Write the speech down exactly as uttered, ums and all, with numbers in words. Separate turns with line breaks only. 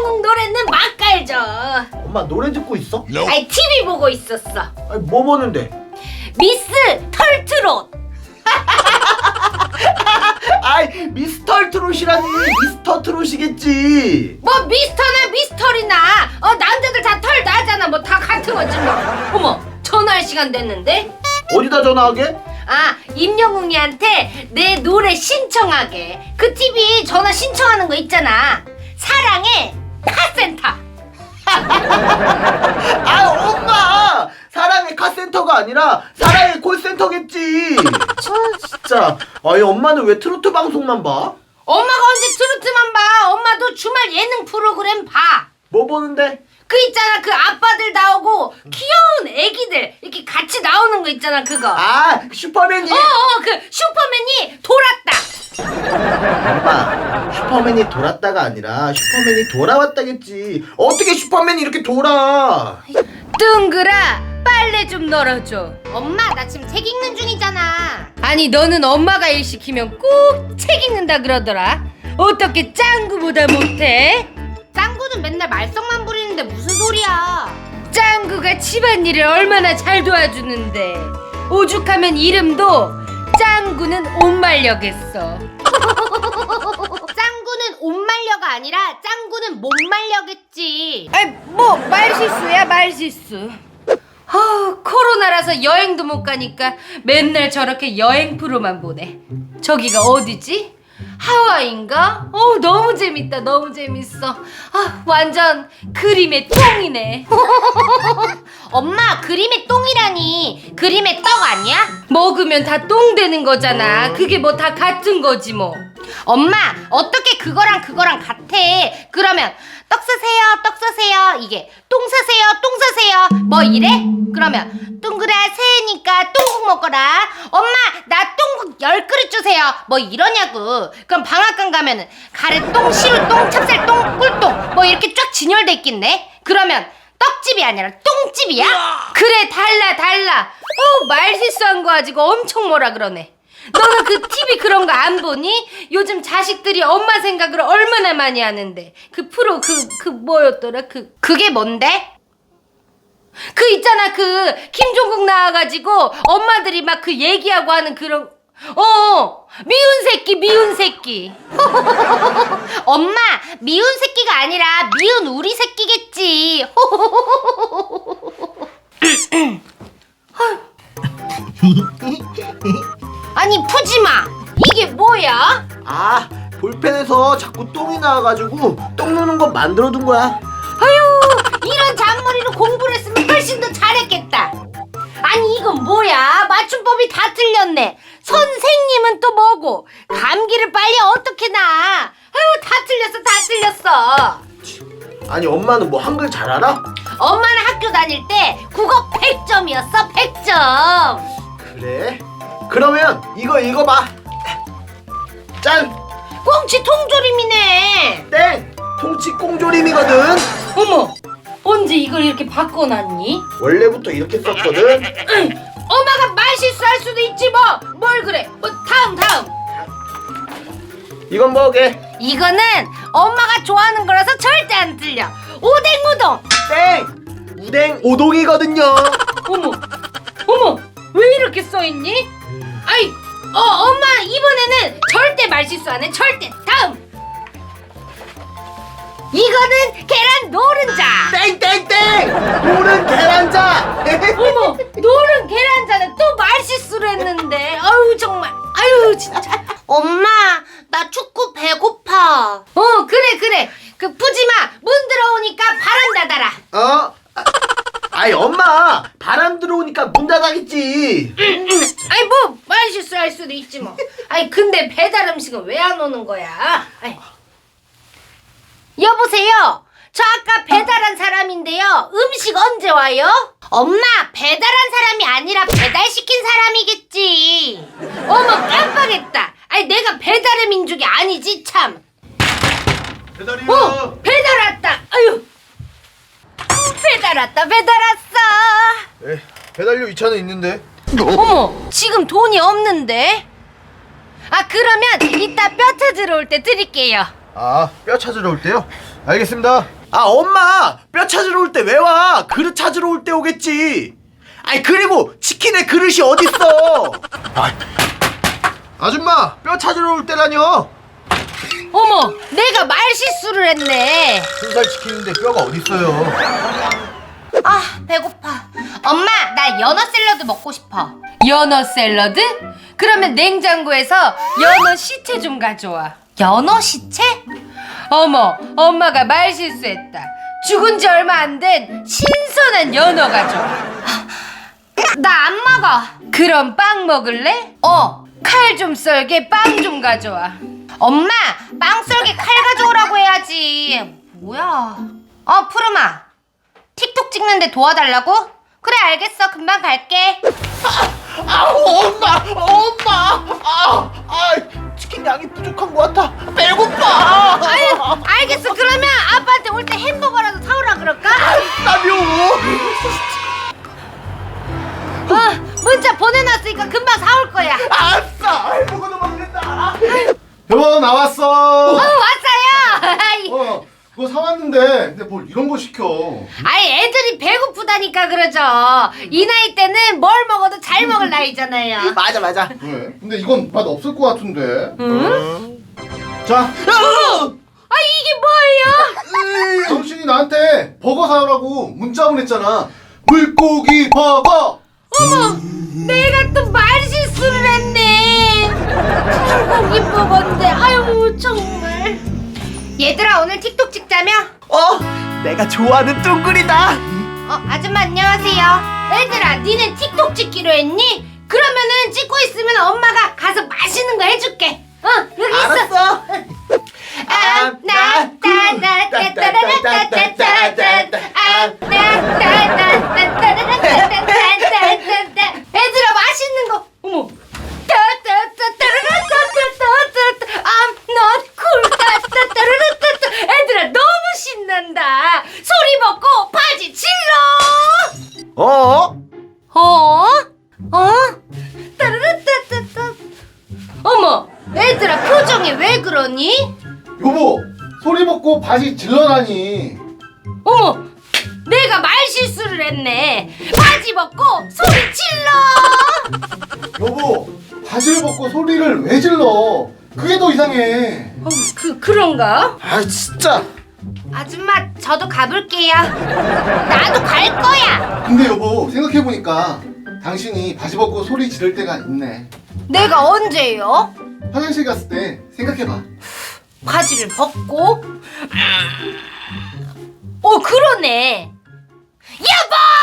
임영웅 노래는 막 깔죠.
엄마 노래 듣고 있어?
아이 티비 보고 있었어.
아니 뭐 보는데?
미스 털트롯.
아이 미스터 트롯이라니 미스터 트롯이겠지.
뭐 미스터나 미스터리나 어 남자들 다 털 나잖아. 뭐 다 같은 거지 뭐. 어머 전화할 시간 됐는데?
어디다 전화하게?
아 임영웅이한테 내 노래 신청하게. 그 티비 전화 신청하는 거 있잖아. 사랑의 카센터.
아 엄마 사랑의 카센터가 아니라 사랑의 콜센터겠지. 참 진짜. 아니 엄마는 왜 트로트 방송만 봐?
엄마가 언제 트로트만 봐. 엄마도 주말 예능 프로그램 봐.
뭐 보는데?
그 있잖아 그 아빠들 나오고 귀여운 애기들 이렇게 같이 나오는 거 있잖아 그거.
아 슈퍼맨이.
어어 그 슈퍼맨이 돌았다.
엄마 슈퍼맨이 돌았다가 아니라 슈퍼맨이 돌아왔다겠지. 어떻게 슈퍼맨이 이렇게 돌아?
뜬그라 빨래 좀 널어줘. 엄마 나 지금 책 읽는 중이잖아. 아니 너는 엄마가 일 시키면 꼭 책 읽는다 그러더라. 어떻게 짱구보다 못해? 짱구는 맨날 말썽만 부리는데 무슨 소리야. 짱구가 집안일을 얼마나 잘 도와주는데. 오죽하면 이름도 짱구는 옷말려겠어. 짱구는 옷말려가 아니라 짱구는 못말려겠지. 아이 뭐 말실수야 말실수. 아 코로나라서 여행도 못 가니까 맨날 저렇게 여행 프로만 보네. 저기가 어디지? 하와이인가? 어 너무 재밌다 너무 재밌어. 아 완전 그림의 똥이네. 엄마 그림의 똥이라니 그림의 떡 아니야? 먹으면 다 똥 되는 거잖아. 그게 뭐 다 같은 거지 뭐. 엄마 어떻게 그거랑 그거랑 같아. 그러면 떡 사세요 떡 사세요 이게 똥 사세요 똥 사세요 뭐 이래? 그러면 둥그라 새해니까 똥국 먹거라. 엄마 나 똥국 열 그릇 주세요 뭐 이러냐고. 그럼 방앗간 가면은 가래똥 시루똥 찹쌀똥 꿀똥 뭐 이렇게 쫙 진열돼 있겠네. 그러면 떡집이 아니라 똥집이야? 그래 달라 달라. 어 말실수한 거 가지고 엄청 뭐라 그러네. 너는 그 티비 그런 거 안 보니? 요즘 자식들이 엄마 생각을 얼마나 많이 하는데. 그 프로 그 그 뭐였더라? 그 그게 뭔데? 그 있잖아 그 김종국 나와가지고 엄마들이 막 그 얘기하고 하는 그런 어 미운 새끼 미운 새끼. 엄마 미운 새끼가 아니라 미운 우리 새끼겠지. 아니 푸지마 이게 뭐야?
아 볼펜에서 자꾸 똥이 나와가지고 똥 누는 거 만들어둔 거야.
아유 이런 잔머리로 공부를 했으면 훨씬 더 잘했겠다. 아니 이건 뭐야? 맞춤법이 다 틀렸네. 선생님은 또 뭐고 감기를 빨리 어떻게 나. 아유 다 틀렸어 다 틀렸어.
아니 엄마는 뭐 한글 잘 알아?
엄마는 학교 다닐 때 국어 백 점이었어 백 점.
그래? 그러면 이거 읽어봐. 짠!
꽁치 통조림이네.
땡! 통치 꽁조림이거든.
어머 언제 이걸 이렇게 바꿔놨니?
원래부터 이렇게 썼거든.
응, 엄마가 말실수할 수도 있지 뭐. 뭘 그래. 뭐 다음 다음.
이건 뭐게?
이거는 엄마가 좋아하는 거라서 절대 안 틀려. 오뎅우동.
땡! 우댕 오동이거든요.
어머 어머 왜 이렇게 써있니? 아이 어 엄마 이번에는 절대 말실수 안 해. 절대. 다음. 이거는 계란 노른자.
땡땡땡! 노른 계란자!
어머 노른 계란자는 또 말실수를 했는데. 아유 정말 아유 진짜. 엄마 나 축구 배고파. 어 그래 그래 그 푸지마 문 들어오니까 바람 닫아라.
어? 아, 아이 엄마 바람 들어오니까 문 닫아야겠지.
아이 뭐 말실수할 수도 있지 뭐. 아이 근데 배달 음식은 왜 안 오는 거야? 아이. 여보세요. 저 아까 배달한 사람인데요. 음식 언제 와요? 엄마 배달한 사람이 아니라 배달시킨 사람이겠지. 어머 깜빡했다. 아니 내가 배달의 민족이 아니지 참.
배달이요.
어 배달 왔다. 아유 배달 왔다 배달 왔어.
에, 배달료 이 차는 있는데.
어머 지금 돈이 없는데. 아 그러면 이따 뼈 찾으러 올 때 드릴게요.
아, 뼈 찾으러 올 때요?
알겠습니다.
아 엄마 뼈 찾으러 올 때 왜 와? 그릇 찾으러 올 때 오겠지. 아이 그리고 치킨에 그릇이 어딨어? 아,
아줌마, 뼈 찾으러 올 때라뇨.
어머, 내가 말실수를 했네.
순살 치킨인데 뼈가 어딨어요?
아, 배고파. 엄마, 나 연어 샐러드 먹고 싶어. 연어 샐러드? 그러면 냉장고에서 연어 시체 좀 가져와. 연어 시체? 어머, 엄마가 말실수했다. 죽은 지 얼마 안 된 신선한 연어 가져와. 나 안 먹어. 그럼 빵 먹을래? 어, 칼 좀 썰게 빵 좀 가져와. 엄마, 빵 썰게 칼 가져오라고 해야지. 뭐야? 어, 푸르마. 틱톡 찍는데 도와달라고? 그래, 알겠어. 금방 갈게.
아우 엄마 엄마 아, 아 치킨 양이 부족한 것 같아. 배고파.
아유, 알겠어. 그러면 아빠한테 올 때 햄버거라도 사오라 그럴까?
나요.
어, 문자 보내놨으니까 금방 사올 거야.
아싸 햄버거도 먹는다.
여보,
어,
나왔어.
왔어요. 아이,
어, 그거 사왔는데 근데 뭘 이런 거 시켜.
아이, 애들이 배고프다니까 그러죠. 이 나이 때는 뭘 먹어도 잘 먹을 나이잖아요.
맞아 맞아.
왜? 근데 이건 맛 없을 것 같은데.
응?
자,
아, 이게 뭐예요?
당신이 나한테 버거 사오라고 문자 보냈잖아. 물고기 버거.
어머, 내가 또 말실수를 했네. 불고기 먹었는데, 아유 정말. 얘들아, 오늘 틱톡 찍자며?
어 내가 좋아하는 뚱구리다.
어, 아줌마 안녕하세요. 얘들아, 니네 틱톡 찍기로 했니? 그러면은 찍고 있으면 엄마가 가서 맛있는 거 해줄게. 어, 여기 있어.
알았어.
아, 나, 따, 나, 따, 따, 라, 따, 따, 따, 따, 따. 아, 나, 따, 나, 따, 따, 라, 따, 따, 따, 따, 따, 따. 얘들아, 맛있는 거. 어머. 따, 따, 따, 따, 라, 따, 따, 따, 따, 따. I'm not cool. 따, 따, 따, 라, 따, 따. 얘들아, 너무 신난다. 소리 먹고 바지 질러.
어?
어? 어? 따르르따따따. 어머, 애들아, 표정이 왜 그러니?
여보, 소리 먹고 바지 질러라니.
어머, 내가 말실수를 했네. 바지 벗고 소리 질러.
여보, 바지를 벗고 소리를 왜 질러? 그게 더 이상해.
어, 그 그런가?
아 진짜.
아줌마, 저도 가볼게요. 나도 갈 거야.
근데 여보, 생각해보니까 당신이 바지 벗고 소리 지를 때가 있네.
내가 언제요?
화장실 갔을 때 생각해봐.
바지를 벗고. 어, 그러네. 여보!